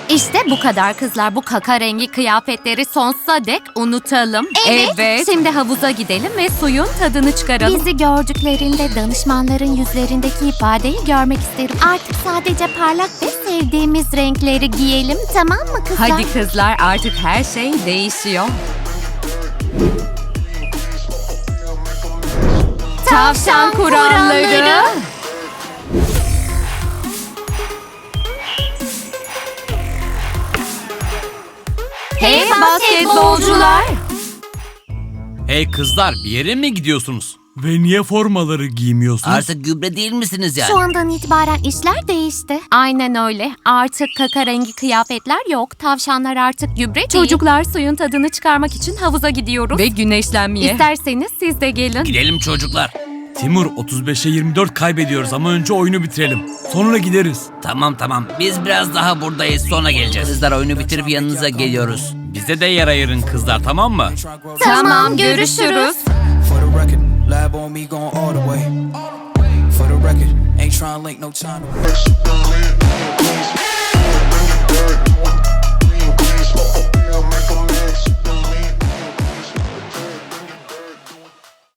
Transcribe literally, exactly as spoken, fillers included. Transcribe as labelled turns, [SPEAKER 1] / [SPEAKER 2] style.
[SPEAKER 1] İşte bu kadar kızlar. Bu kaka rengi kıyafetleri sonsuza dek unutalım.
[SPEAKER 2] Evet.
[SPEAKER 1] Şimdi havuza gidelim ve suyun tadını çıkaralım.
[SPEAKER 2] Bizi gördüklerinde danışmanların yüzlerindeki ifadeyi görmek isterim. Artık sadece parlak ve sevdiğimiz renkleri giyelim, tamam mı kızlar?
[SPEAKER 1] Hadi kızlar, artık her şey değişiyor. Tavşan kuralları. Hey basketbolcular.
[SPEAKER 3] Hey kızlar, bir yere mi gidiyorsunuz?
[SPEAKER 4] Ve niye formaları giymiyorsunuz?
[SPEAKER 5] Artık gübre değil misiniz yani?
[SPEAKER 2] Şu andan itibaren işler değişti.
[SPEAKER 1] Aynen öyle. Artık kaka rengi kıyafetler yok. Tavşanlar artık gübre değil. Çocuklar, suyun tadını çıkarmak için havuza gidiyoruz. Ve güneşlenmeye. İsterseniz siz de gelin.
[SPEAKER 5] Gidelim çocuklar.
[SPEAKER 4] Timur, otuz beşe yirmi dört kaybediyoruz ama önce oyunu bitirelim. Sonra gideriz.
[SPEAKER 5] Tamam tamam, biz biraz daha buradayız, sonra geleceğiz. Kızlar, oyunu bitirip yanınıza geliyoruz.
[SPEAKER 3] Bize de yer ayırın kızlar, tamam mı?
[SPEAKER 1] Tamam, görüşürüz.
[SPEAKER 6] For the record, lab on me going all the way. For the record, ain't trying to link no time.